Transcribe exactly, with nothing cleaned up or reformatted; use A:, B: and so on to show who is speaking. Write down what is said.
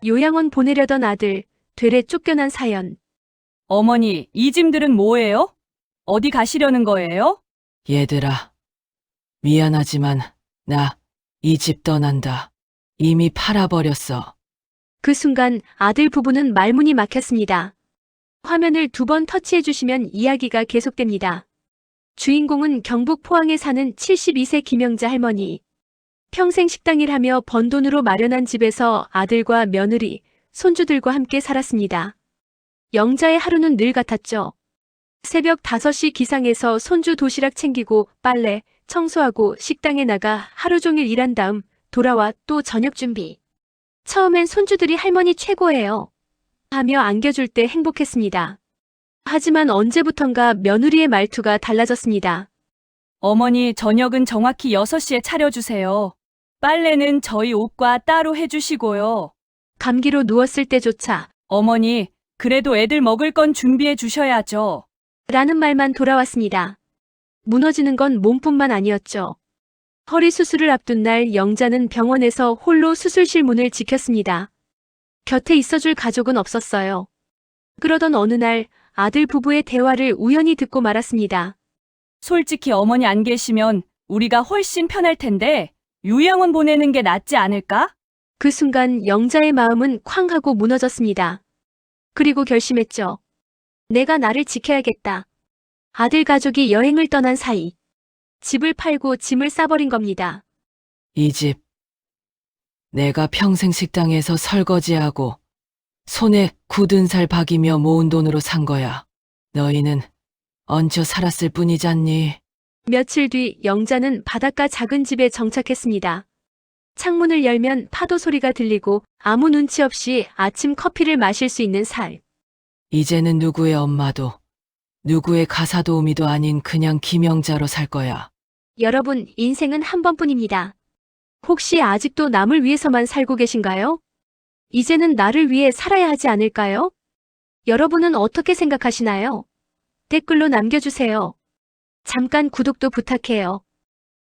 A: 요양원 보내려던 아들, 되레 쫓겨난 사연.
B: 어머니, 이 짐들은 뭐예요? 어디 가시려는 거예요?
C: 얘들아, 미안하지만 나 이 집 떠난다. 이미 팔아버렸어.
A: 그 순간 아들 부부는 말문이 막혔습니다. 화면을 두 번 터치해 주시면 이야기가 계속됩니다. 주인공은 경북 포항에 사는 칠십이 세 김영자 할머니. 평생 식당일 하며 번 돈으로 마련한 집에서 아들과 며느리, 손주들과 함께 살았습니다. 영자의 하루는 늘 같았죠. 새벽 다섯 시 기상해서 손주 도시락 챙기고 빨래, 청소하고 식당에 나가 하루 종일 일한 다음 돌아와 또 저녁 준비. 처음엔 손주들이 할머니 최고예요 하며 안겨줄 때 행복했습니다. 하지만 언제부턴가 며느리의 말투가 달라졌습니다.
B: 어머니, 저녁은 정확히 여섯 시에 차려주세요. 빨래는 저희 옷과 따로 해주시고요.
A: 감기로 누웠을 때조차
B: 어머니, 그래도 애들 먹을 건 준비해 주셔야죠.
A: 라는 말만 돌아왔습니다. 무너지는 건 몸뿐만 아니었죠. 허리 수술을 앞둔 날 영자는 병원에서 홀로 수술실 문을 지켰습니다. 곁에 있어줄 가족은 없었어요. 그러던 어느 날 아들 부부의 대화를 우연히 듣고 말았습니다.
B: 솔직히 어머니 안 계시면 우리가 훨씬 편할 텐데 요양원 보내는 게 낫지 않을까?
A: 그 순간 영자의 마음은 쾅 하고 무너졌습니다. 그리고 결심했죠. 내가 나를 지켜야겠다. 아들 가족이 여행을 떠난 사이 집을 팔고 짐을 싸버린 겁니다.
C: 이 집. 내가 평생 식당에서 설거지하고 손에 굳은 살 박이며 모은 돈으로 산 거야. 너희는 얹혀 살았을 뿐이잖니.
A: 며칠 뒤 영자는 바닷가 작은 집에 정착했습니다. 창문을 열면 파도 소리가 들리고 아무 눈치 없이 아침 커피를 마실 수 있는 삶.
C: 이제는 누구의 엄마도 누구의 가사도우미도 아닌 그냥 김영자로 살 거야.
A: 여러분, 인생은 한 번뿐입니다. 혹시 아직도 남을 위해서만 살고 계신가요? 이제는 나를 위해 살아야 하지 않을까요? 여러분은 어떻게 생각하시나요? 댓글로 남겨주세요. 잠깐 구독도 부탁해요.